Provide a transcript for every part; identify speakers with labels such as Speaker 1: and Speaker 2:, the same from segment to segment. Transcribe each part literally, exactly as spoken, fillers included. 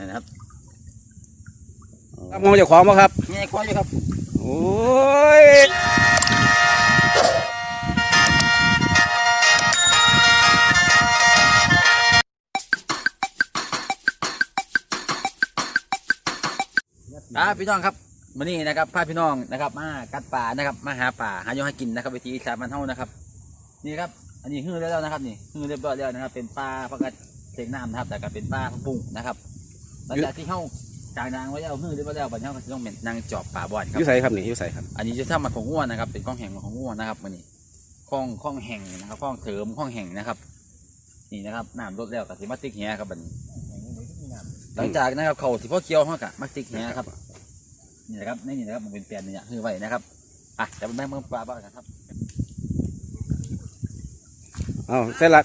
Speaker 1: นะครับ
Speaker 2: มองจะของมั้งครับ
Speaker 1: นี่ควายครับ
Speaker 2: โอ้ย
Speaker 1: อ่าพี่น้องครับวันนี้นะครับพาพี่น้องนะครับมากัดป่านะครับมาหาป่าหาโยให้กินนะครับวิธีสามัญเท่านะครับนี่ครับอันนี้ฮือแล้วนะครับนี่ฮือเรียบร้อยแล้วนะครับเป็นปลาพักกระเสกน้ำนะครับแต่ก็เป็นปลาพักบุ้งนะครับหลังจากที่เข้าจางนางไว้แล้วฮือเรียบร้อยแล้วปัญญาก็จะต้องเป็นนางจอบป่าบ่อนครับ
Speaker 2: ยุ่ใส่ครับนี่ยุ่ใส่ครับ
Speaker 1: อันนี้จะทำมาของง่วนนะครับเป็นข้องแห่งของง่วนนะครับวันนี้ข้องข้องแห่งนะครับข้องเสริมข้องแห่งนะครับนี่นะครับน้ำลดแล้วกับสิมาติกแหครับบัดนี้หลังจากนะครับเขาที่พ่อเคี้ยวเขากะมาติกแหครับนี่นะครับนี่นะครับมันเป็นแปลนเนี่ยคือไว้นะครับอ่ะจะเป็นแม่เมืองปลาบ้างครับ
Speaker 2: เอาเสร็จละ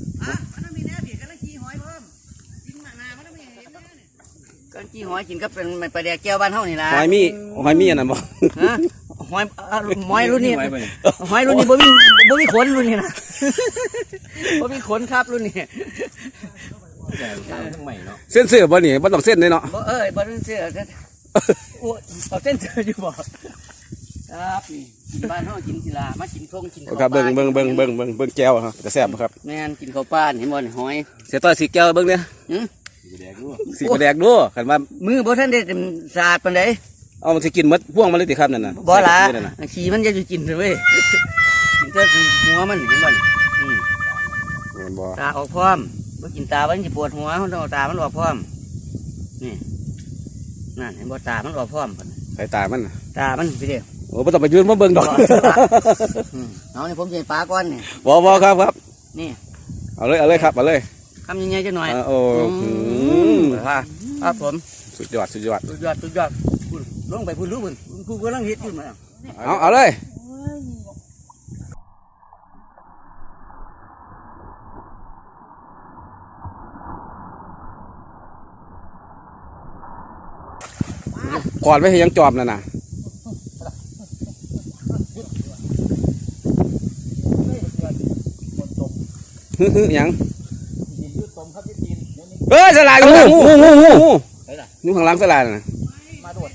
Speaker 3: ก็จีหอยกินก็เป็นปลาแดกแก้วบ้านเฮานี่ล่ะ
Speaker 2: หอยมีหอยมีอันนั้นบ่
Speaker 3: ฮะหอยหอยรุ่นนี้หอยรุ่นนี้บ่มีบ่มีขนรุ่นนี้นะบ่มีขนครับรุ่นนี้
Speaker 2: เส้นเสือบ่นี่บ่ต้องเส้นเลยเนาะ
Speaker 3: บ่เอ้ยบ่ต้องเสื้อเอาเส้นเสื้ออยู่บ่ครับนี่กินบ้านเฮากินกีฬามากินทงกินข้าว
Speaker 2: ครับเบิ่งเบิ่งเบิ่งเบิ่งเบิ่งเบิ่งแก้วครับจะแซ่บครับ
Speaker 3: แม่นกินข้าวป้านเห็นบ่หอย
Speaker 2: เสียต่อสีแก้วเบิ่งเนี่ยสีกระแดกดูขันว่า
Speaker 3: มือบ่ทันได้สะอาดปานใด
Speaker 2: เอามันสิกินมัดพ่วงมันเลยติครับนั่นน่ะ
Speaker 3: บ่ล่ะขี้มันจะอยู่กินเว้ยกินแต่หัวมันเห็นบ่อืม
Speaker 2: บ่
Speaker 3: ตาออกพร้อมบ่กินตามันสิปวดหัวเฮาต้องเอาตามันออกพร้อมนี่นั่นเห็นบ่ตามันออกพร้อม
Speaker 2: ใส่ตามัน
Speaker 3: ตามันไปเด้อ
Speaker 2: โอ้บ่ต้องไปยืนมาเบิ่งดอก
Speaker 3: เอานี่ผมสิปลาก่อนนี่
Speaker 2: บ่บ่ครับครับ
Speaker 3: นี่
Speaker 2: เอาเลยเอาเลยครับเอาเลย
Speaker 3: คำยังไงจะหน่อย
Speaker 2: โอ้
Speaker 3: ครับผม
Speaker 2: สุดยอดสุดยอด
Speaker 3: สุดยอดสุดยอดลงไปพูดรู้มึงกูกำลังเฮ็ดอยู่มา
Speaker 2: เอาเอาเลยก่อนไว้ให้ยังจอบนั่นน่ะฮึฮึยังเฮ้ยสลายงูงูงูงูงูงูข้างหลังสลายน่ะ
Speaker 3: มาโดด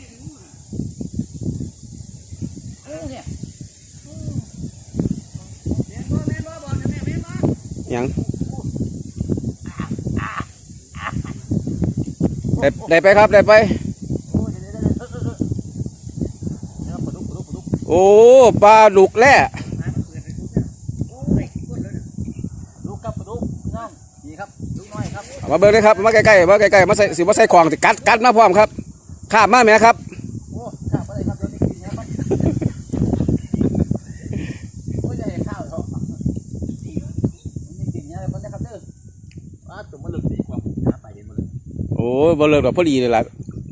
Speaker 2: ยังได้ได้ไปครับได้ไปโอ้ปลาดุกแร่มาเบิ่งเลยครับมาใกล้ๆมาใกล้ๆมาใส่สิมาใส่ของติกัดกัดมาพร้อมครับข้ามมาไหมครับ
Speaker 3: โอ้ข้ามมาเลยครับเดี๋ยวนี้กินเนี่ยมันโอ้ยจะเห็นข้าวเหรอมันกินเนี่ยมันจะครับเด้อว่าตัวมันหลุดดีกว่าหาไปเห็นมันเลย
Speaker 2: โอ้บ่เลิกแบบพอดีเลยล่ะ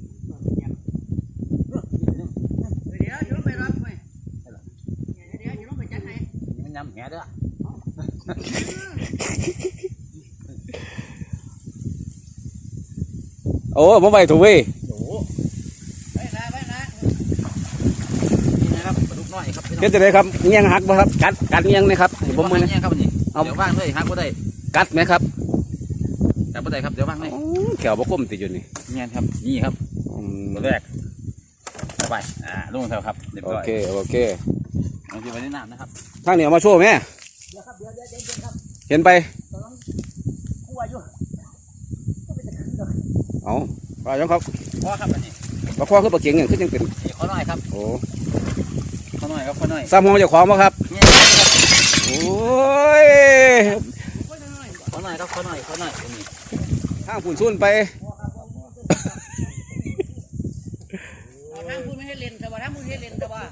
Speaker 3: เดี๋ยวอยู่ลงไปรับไปเดี๋ยวอยู่ลงไปจัดให้
Speaker 1: มันยำแหเด้อ
Speaker 2: โอ้ผมไปถูกเว้ย
Speaker 3: ไปนะไปนะ
Speaker 1: นี่นะครับปลาดุกน้อยครับ
Speaker 2: เฮ็ดจะได้ครับเงี้ยงหักบ่ครับกัดกัดเงี้ยงไหมครับผมมือ
Speaker 1: เนี่ยครับนี่เดี๋ยวว่างด้วยหักก็ได้
Speaker 2: กัดไหมครับ
Speaker 1: กัดก็ได้ครับเดี๋ยวว่างด้วย
Speaker 2: แขวบก้มติดอยู่นี่
Speaker 1: เนี่ยครับนี่ครับตัวแรกไปอ่าลงแถวครับ
Speaker 2: โอเคโอเค
Speaker 1: ลองดูไปในน้ำนะครับ
Speaker 2: ทางเหนียวมาโชว์ไหมเห็นไปเอาปลายังครับ
Speaker 1: พ่อครับอันนี้
Speaker 2: ปลาข้อคือปลาเก่งอย่างขึ้นยังเป็น
Speaker 1: ข้อน้อยครับ
Speaker 2: โอ้
Speaker 1: ข้อน้อยครับข้อน้อย
Speaker 2: ซ้ำห้องจะขวางมั้งครับโอ้ย
Speaker 1: ข้อน้อยครับข้อน้อยข้อน้อย
Speaker 2: ห้างฝุ่นซุ่นไป
Speaker 3: ทางพูดไม่ให้เล่นแต่ว่าทางพูดให้เล่นแต่ว่า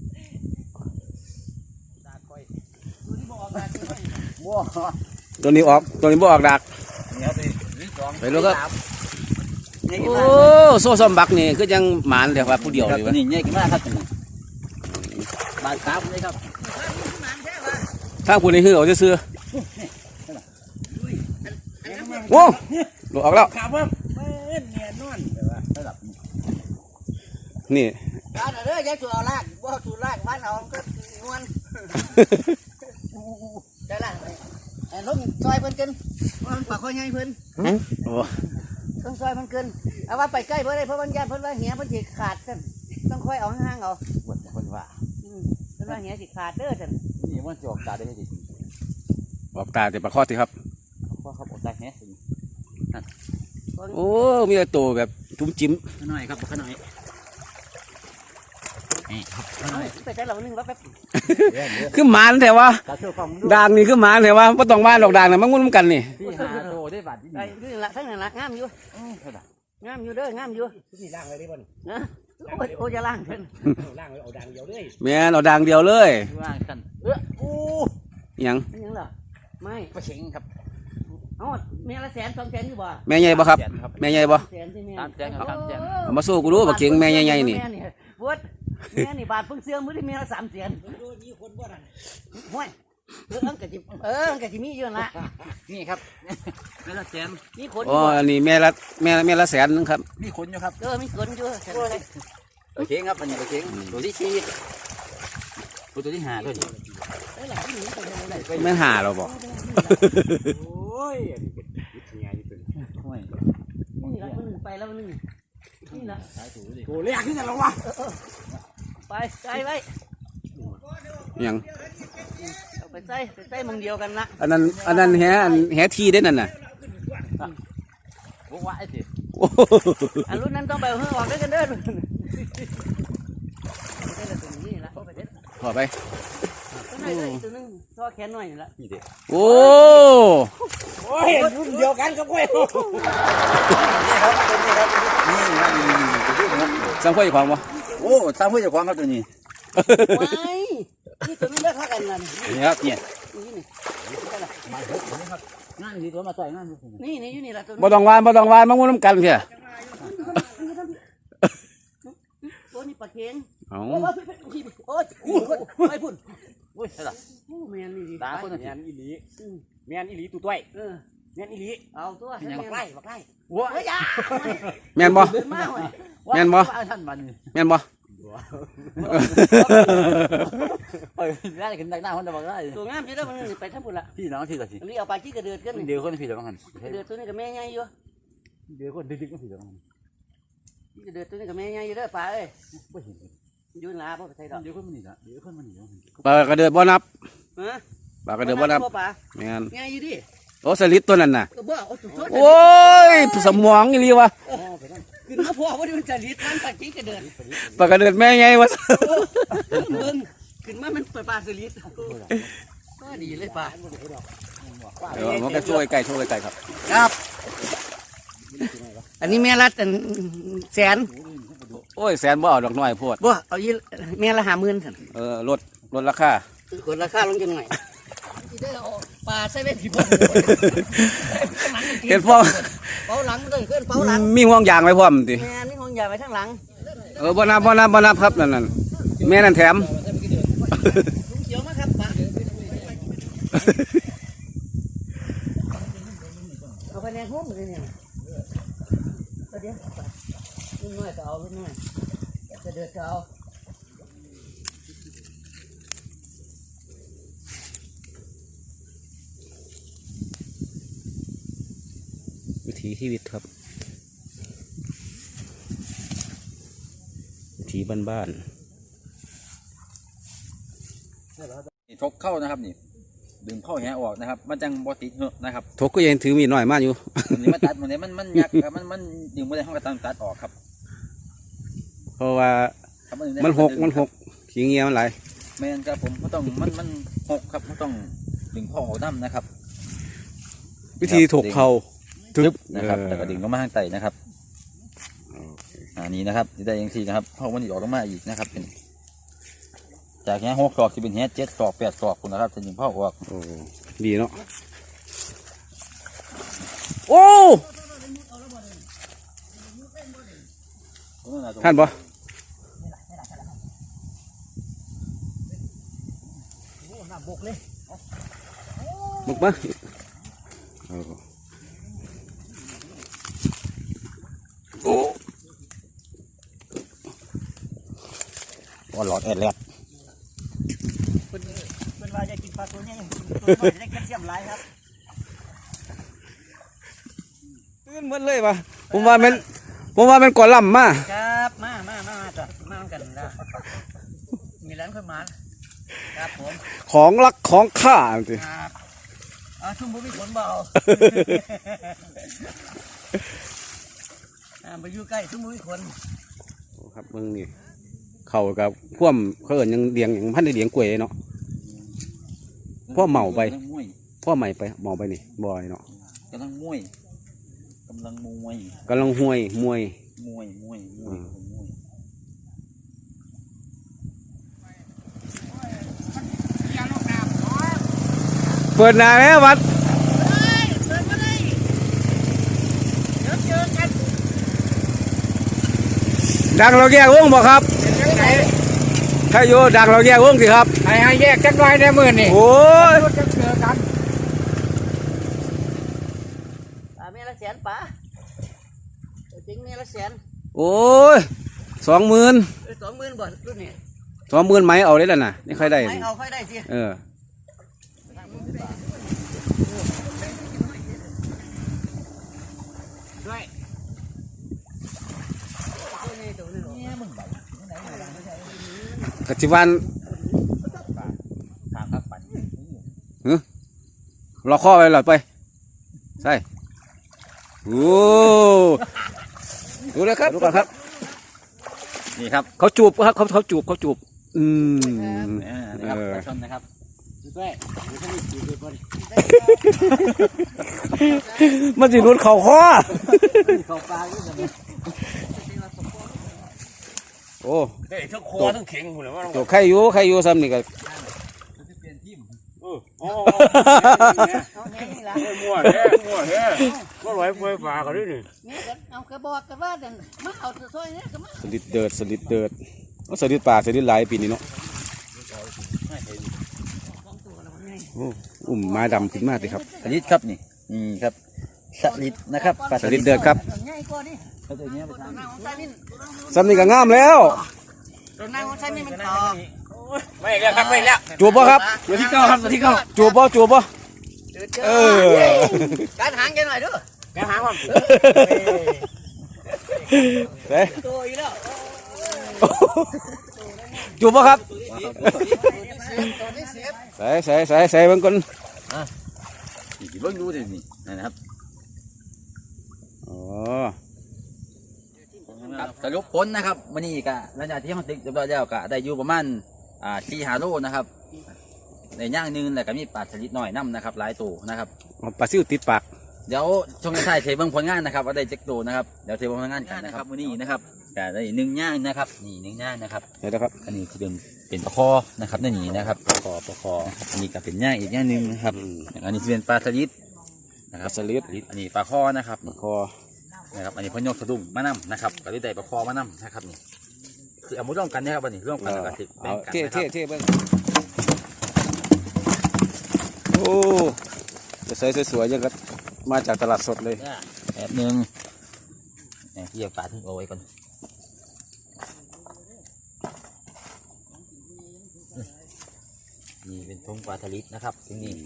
Speaker 2: ตัวนี้ออกตัวนี้บ่ออกดักไปลูกครับโอ้โซ่ซ้อมบักนี่คือยังหมานเดี๋ยวว่าผู้เดียวเลยวะ
Speaker 1: นี่เนี่ยกินมากครับบาดขาเลยครับ
Speaker 2: ถ้าคุณนี่คือเอาจะซื้อโอ้หลุดออกแล้วนี่
Speaker 3: ร้านอะไรยายตัวลากว่าตัวลากบ้านเราก็นวลได้ละไอ้ล้มซอยเพิ่นกันว่ามันปากคอยใหญ่เพิ่น
Speaker 2: โอ้
Speaker 3: ต้องซอยมันเกินเอาว่าไปใกล้เพื่อได้เพราะมันยานเพิ่นว่าเหี้ยเพิ่นสิขาดซั่นต้องค่อยเอาห่างๆเอา
Speaker 1: ปวดคนว่า
Speaker 3: อืมเพิ่นว่าเหี้ยสิขาดเด้อซั่น
Speaker 1: นี่มันจะออกตาได้ไหมดิ
Speaker 2: ออกตาแต่ปลาคอสิครับ
Speaker 1: เพราะเขาออกตาแฮะ
Speaker 2: โอ้มีแต่ตัวแบบจุ้มจิ้ม
Speaker 1: ขน่อยครับขน่อยนี่ครับขน่อย
Speaker 3: ไปใส่เรานึงว่าแป๊บ
Speaker 2: คือหมานแต่ว่า
Speaker 1: ตาเชื่อฟังดู
Speaker 2: ด่างนี่คือหมานแต่ว่าบ่ต้องบ้านดอกด่างน่ะมันงุ่นกันนี่
Speaker 1: พี่หาโตได้บาทที่
Speaker 3: ไอ้
Speaker 1: นี่
Speaker 3: นี่ละทั้งนั้นละงามอยู่
Speaker 1: เท่าไหร่
Speaker 3: งามอยู่เด้องามอยู่
Speaker 4: นี่ล่างเลยได้ป่ะนี่
Speaker 3: นะโอ้ยโอ้ยจะล่างเพิ่น
Speaker 4: ล่างเลยเอาดังเดียวเลย
Speaker 2: แม่นเอาด่างเดียวเลย
Speaker 1: ว่างกันเอออู้
Speaker 2: อิหยัง
Speaker 3: เป็นหยังล่ะไม่
Speaker 1: ปลาเช็งครับ
Speaker 3: เอ้าแม่ละแสนสองแสนอยู่บ่
Speaker 2: แม่ใหญ่บ่ครับ
Speaker 1: ครับ
Speaker 2: แม่ใหญ่บ่
Speaker 3: แสนที่แม่
Speaker 1: ตามแสนครับตามแสน
Speaker 2: เอามาสู้กูดูบักเข็งแม่ใหญ่ๆนี่
Speaker 3: แม่บวชแม่นี่บาทเพิ่งเสื่อมมื้อที่แม่ละสามแสน
Speaker 4: ดูนี่คนบ่นั่น
Speaker 3: ห้วยเอออันกะจิเอออันกะจิมีอยู่นั่นละ
Speaker 1: นี่ครับนั่นละแสน
Speaker 3: มีคนอ
Speaker 2: อ๋อยู่
Speaker 3: บ่
Speaker 2: อันนี้แม่ละแม่แม่ละแสนนึงครับ
Speaker 1: มีคนอยู่ครับ
Speaker 3: เออมีคนอยู่แสนเลย
Speaker 1: ปลาเช็งครับอันนี้ปลาเช็งตัวที่สี่ตัวที่ห้าตัวนี้
Speaker 3: เอ้ยหลังที่หนีไปทางไหนไป
Speaker 2: แม่นหาเราบ่
Speaker 4: โอ้ยอันนี้เป็นวิทยาที่เป็น
Speaker 1: ห้วย
Speaker 3: นี่ละมันหนึ่งไปแล้วมันหนึ่งนี่ละ
Speaker 1: สายถูดิ
Speaker 4: โอ้เรียกขึ้นกันแล้ววะ
Speaker 3: ไปใส่ไว้
Speaker 2: อิหยัง
Speaker 3: เอาไปใส่ไปใส่หมองเดียวกันละ
Speaker 2: อันนั้นอันนั้นแฮอันแฮทีได้นั่นน่ะ
Speaker 1: บอกว่าไอ้สิ
Speaker 2: โอ้
Speaker 3: อันรุ่นนั้นต้องไปเอาเฮือกออกด้วยกันเด้อรุ่นนั้นไปได้ละตัวนี้ละเอาไปเด็ด
Speaker 2: ขอไป
Speaker 3: ตัวไหนเลยตัวนึงท่อแขนหน่อยนี่ละ
Speaker 1: นี่เด็ก
Speaker 2: โอ้
Speaker 4: โอ้ยรุ่นเดียวกันกับกู
Speaker 1: นี่ครับนี่ตัวนี้ครับ
Speaker 2: สังค่อยของบ่
Speaker 1: โอ้ตามเพื่อนเจ้าของครับตัวนี้
Speaker 3: ว้ายนี่ตัวนี้เลิกทักกันละนี่
Speaker 1: นี่ครับเนี่ย
Speaker 3: นี่นี่
Speaker 1: มาเถอะครับงานดีตัวมาต่อยงาน
Speaker 3: นี่นี่อยู่นี่ละตัว
Speaker 2: บ่ต้องวานบ่ต้องวานมางุ่นกันเพีย
Speaker 3: ตัวนี้ปลาเค็ง
Speaker 2: เอา
Speaker 3: โอ้ยโอ้ยโอ้ยไปพุ่น
Speaker 1: โอ้ยใช่หรอ
Speaker 3: โอ้แมนนี่ดี
Speaker 1: ตาคนนั้น
Speaker 4: แมนอีหลีแมนอีหลีตู้ต้วย
Speaker 3: เออ
Speaker 4: แมนอีหลี
Speaker 3: เอาตัว
Speaker 4: บักไล่บักไล่
Speaker 1: ว้า
Speaker 3: เฮ้ยยา
Speaker 2: แม่นบ่
Speaker 3: เดินมาเว้ย
Speaker 2: แม่นบ่
Speaker 1: ท่านมัน
Speaker 2: แม่นบ่
Speaker 1: เอ้ยได้ขึ้นดักหน้าคนจะบอกได้
Speaker 3: ตัวงามอยู่แล้วมันไปทั้งหมดละ
Speaker 1: พี่น้องที่ละสิ
Speaker 3: อันนี้เอาปลาจี้กระเดือดกัน
Speaker 1: เดี๋ยวคนพี่เดี๋ยวมัน
Speaker 3: กระเดือดตัวนี้กับแม่ใหญ่อยู่
Speaker 1: เดี๋ยวคนดึกๆก็พี่เดี๋ยวมัน
Speaker 3: กระเดือดตัวนี้กับแม่ใหญ่อยู่เด้อปลาเอ้ย
Speaker 1: ไม่เห็น
Speaker 3: อยู่หลาบ่ไปใส่ดอก
Speaker 1: เดี๋ยวคนมันหนีละเดี๋ยวคนมันหนีแล้ว
Speaker 2: ปลากระเดือดบ่นับ
Speaker 3: ฮะ
Speaker 2: ปลากระเดือดบ่นับ
Speaker 3: ปลา
Speaker 2: แม่น
Speaker 3: ใหญ่อยู่ดิ
Speaker 2: โอ้สลิดตัวนั้นน่ะ
Speaker 3: ก็บ่เอาสุด
Speaker 2: โอ้ยสมองอีหลีวะ
Speaker 3: ขึ้นมาพ่อว่ามันจะลิดมันปลาจี้กระเดือด
Speaker 2: ปลากระเดือดแม่ใหญ่วะ
Speaker 3: เบิ่งขึ้นมามันเปิดปลาสลิดก็ดีเลยปลา
Speaker 2: เดี๋ยวมันก็ช่วยไก่ช่วยไก่ครับ
Speaker 3: ครับ อันนี้แม่ละอันแสน
Speaker 2: โอ้ยแสนบ่เอาดอกน้อยโพด
Speaker 3: บ่เอายี่แม่ละห้าหมื่นสั่น
Speaker 2: เออลดลดราคาก
Speaker 3: ดราคาลงจังหน่อยได้เอาปลาใส่ไว้ผีบ่
Speaker 2: เห็นพ่อ
Speaker 3: เป้าหลังเลยขึ้นเป้าหลัง
Speaker 2: มีห่วงยางไว้พร้อมติ
Speaker 3: แม่นี่ห้องใหญ่ไว้ข้างหลัง
Speaker 2: เออบ่นับบ่นับบ่นับครับนั่นนั่นแม่นั่นแถม
Speaker 3: ลุงเขียวมาครับปลาเอาไปในห้องเลยเนี่ยเดี๋ยวรุ่นน้อยก็เอารุ่นน้อยจะเดือดก็เอา
Speaker 2: วิถีชีวิตครับ วิถีบ้าน
Speaker 1: นี่ทกเข้านะครับนี่ดึงเข้าแหออกนะครับ มันจังบอติดเหอะนะครับ
Speaker 2: ๆทกก็ยังถือมีดน้อยมากอยู่
Speaker 1: อันนี้มันตัดมันนี้มันมันยักครับมันมันดึงไม่ได้ห้องกระตังตัดออกครับ
Speaker 2: เพราะว่า
Speaker 1: ครับดึงได้
Speaker 2: มันหกมันหกขี้เงียมันไหลาย
Speaker 1: แมนครับผมก็ต้องมันมันหกครับก็ต้องดึงข้อออกน้ำนะครับ
Speaker 2: วิธีถกเขา
Speaker 1: ทึบนะครับ
Speaker 2: เออ
Speaker 1: แต่ก็ดึงลงมาข้างใต้นะครับอันนี้นะครับจะได้ยังสี่นะครับเพราะมันอีกออกลงมาอีกนะครับเป็นจากแหหกศอกจะเป็นแหเจ็ดศอกแปดศอกคุณนะครับจะดึงข้อออก
Speaker 2: โอ้ดีเนาะโอ้ท่านบ่บุกมาโอ้โอ้
Speaker 1: ก็หลอดแอดแลด
Speaker 3: เป็นเป็นว่าจะกินปลาตัวนี้ตัวน้อยได้แคลเซียมหลายครับ
Speaker 2: ตื่นหมดเลยปะ
Speaker 3: เอ
Speaker 2: ผมว่ามันผมว่ามันก่อล่ำมา
Speaker 3: ครับมามามามาจ้ะมากันแล้วมีร้านคนมาครับผม
Speaker 2: ของรักของข้าสิ
Speaker 3: ครับอ่าชุ่มบุ้มีผลเบาอ่าไปอยู่ใกล้ชุ่มบุ้มีคน
Speaker 2: ครับมึงนี่เข้ากับพ่วมเขาเอิญยังเลี้ยงอย่างพันได้เลี้ยงกล้วยเนาะพ่อเมาไป
Speaker 1: กำลังมวย
Speaker 2: พ่อใหม่ไปเมาไปนี่บ่อยเนาะ
Speaker 1: กำลังมวยกำลังมวย
Speaker 2: กำลังห้วยมวย
Speaker 1: มวยมวยมวยมวย
Speaker 2: เปิดหนาแล้ววัดดังเราแยกวงบ่ครับใครอยู่ดังเราแยกวงสิครับ
Speaker 4: ไอ้ให้แยกจักหน่อยในมือนี่
Speaker 2: โอ้ย
Speaker 4: จะเจอกัน
Speaker 3: อ่าเมียละแสนป๋าจริงเมียละแสน
Speaker 2: โอ้ยสองหมื่น
Speaker 3: สองหมื่นบ่รุ่นนี้
Speaker 2: สองหมื่นไหมเอาได้แล้วนะนี่ใครได้
Speaker 3: ไม่เอาค่อยได้สิ
Speaker 2: เออ
Speaker 4: ด้วย
Speaker 2: กจิวัน
Speaker 1: ทางครับปั่น
Speaker 2: รอข้อไปหลอดไปใช่โอ้ดูเลยครับดูก่อนครับ
Speaker 1: นี่ครับ
Speaker 2: เขาจูบครับเขาเขาจูบเขาจูบอืม
Speaker 1: อ่านะครับ
Speaker 2: เออ
Speaker 1: ปลาช่อนนะครับ
Speaker 4: ด้วยดูท่านี่ดูด้วยบ่ดิ
Speaker 2: มันสิรุดเข่าคอ
Speaker 1: เข้าปลาด้วยกันเลย
Speaker 2: โอ้
Speaker 4: เฮ้ยทั้งคอทั้งเข่งหุ่นเลยว่า
Speaker 2: ตัวใครอยู่ใครอยู่ซ้ำนี่ก็
Speaker 1: จะเปลี่ยนทีม
Speaker 4: เอออ๋อ
Speaker 3: เอาแง่นี่ละ
Speaker 4: มั่วแท้มั่วแท้ก็ลอยปล่อยปลาเขาด้วยนี่
Speaker 3: แง่กันเอากระบอกกันว่าเดินมาเอาตัวซอยเนี่ยก็มา
Speaker 2: สลิดเดิดสลิดเดิดโอ้สลิดป่าสลิดหลายปีนี้เนาะโอ้อุ้มไม้ดำขึ้นมาสิครับ
Speaker 1: สลิดครับนี่นี่ครับสลิดนะครับปลา
Speaker 2: สลิดเดือดครับ
Speaker 3: ง่ายกว่านี่
Speaker 1: เขาตัวเนี้ยไป
Speaker 3: ตัว
Speaker 1: ทำ
Speaker 3: หน้าของชายนี่
Speaker 2: ซ้ำนี่ก็งามแล้ว
Speaker 3: ตัวหน้าของชายนี่มันต่อ
Speaker 4: ไม่แล้วครับไม่แล้ว
Speaker 2: จูบป่ะครับ
Speaker 1: ตัวที่เก้าครับตัวที่เก้า
Speaker 2: จูบป่ะจูบป่ะเออ
Speaker 3: การหางแกหน่อยด้วย
Speaker 4: แกหางว่า
Speaker 2: เฮ้ย
Speaker 3: ตัวอีกแล้ว
Speaker 2: จูบป่ะครับ
Speaker 3: ตัวนี้เสียบ
Speaker 2: ใส่ใส่ใส่ใส่เบิ่งก่อน
Speaker 1: นี่เบิ่งดูสินี่นะครับ
Speaker 2: อ๋อ
Speaker 1: ครับสรุปผลนะครับวันนี้ก็หลังจากที่เขาติดเรียบร้อยแล้วก็ได้อยู่ประมาณอ่าสี่หาโลนะครับในย่างหนึงแล้วก็มีปลาสลิดหน่อยน้ำนะครับหลายตัวนะครับ
Speaker 2: ปลาซิวติดปาก
Speaker 1: เดี๋ยวช่วงท้ายเทเบิ้งผลงานนะครับว่าได้เจ็กตัวนะครับเดี๋ยวเทเบิ้งผลงานกันนะครับวันนี้นะครับก็ได้หนึ่งย่างนะครับนี่หนึ่งย่างนะครับ
Speaker 2: เดี๋ยวนะครับ
Speaker 1: อันนี้คือเป็นเป็นปลาคอนะครับนั่นนี่นะครับปลาคอปลาคออันนี้ก็เป็นย่างอีกย่างหนึ่งนะครับอันนี้จะเป็นปลาสลิดนะครับ
Speaker 2: สลิด
Speaker 1: อันนี้ปลาคอนะครับ
Speaker 2: คอ
Speaker 1: นะครับอันนี้พนกสะดุ้งมะน้ำนะครับก็ได้ปลาคอมะน้ำนะครับนี่คือเอามาร่วมกันนะครับวันนี้ร่วมกันแล้วก็ติดแบ่
Speaker 2: เอา
Speaker 1: งกัน
Speaker 2: เท่
Speaker 1: นะครั
Speaker 2: เท่
Speaker 1: บ
Speaker 2: เท่เบิ่งโอ้จะใส่สวยๆยังก็มาจากตลาดสดเลย
Speaker 1: แบบหนึ่งเนี่ยเกี่ยวปลาทิ้งเอาไว้ก่อนนี่เป็นทงปลาทะลิดนะครับที่นี่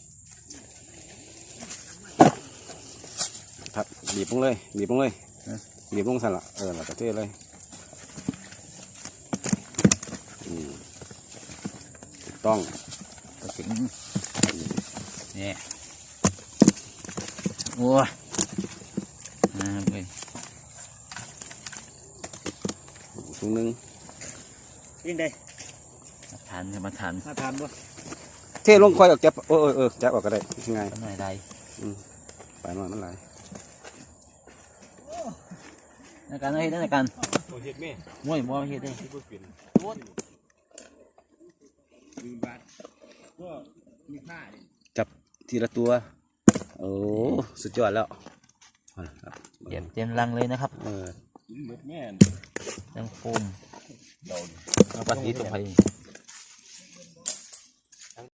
Speaker 2: ครับบีบลงเลยบีบลงเลยบีบลงสั่นละเออแล้วก็เทเลยอืมถูกต้อง
Speaker 1: ก็ถึงนี่โอ้ยอ่าไป
Speaker 2: ถุงหนึง
Speaker 4: ยิงได้
Speaker 1: มาทานครับมาทาน
Speaker 4: มาทานบ่
Speaker 2: เทลงค่อยออกจับเออเออเออจับออกก็ได้ง่าย
Speaker 1: ก็หน่อยได้
Speaker 2: ไปหน่อยมันไหลาย
Speaker 1: ในการให้ในการ
Speaker 4: โอ้เฮ็ดแม่
Speaker 1: มวยมวยเฮ็ดได้
Speaker 4: ที่บ่เป็นลืมบาทก็มีค่าดิ
Speaker 2: จับทีละตัวโอ้สุดยอดแล้วเอาล่ะครับ
Speaker 1: เตรียมเตรียมรังเลยนะครับ
Speaker 2: เออ
Speaker 4: กินหมดแม่น
Speaker 1: รังโฟมเอาปลาทะลิดลงไป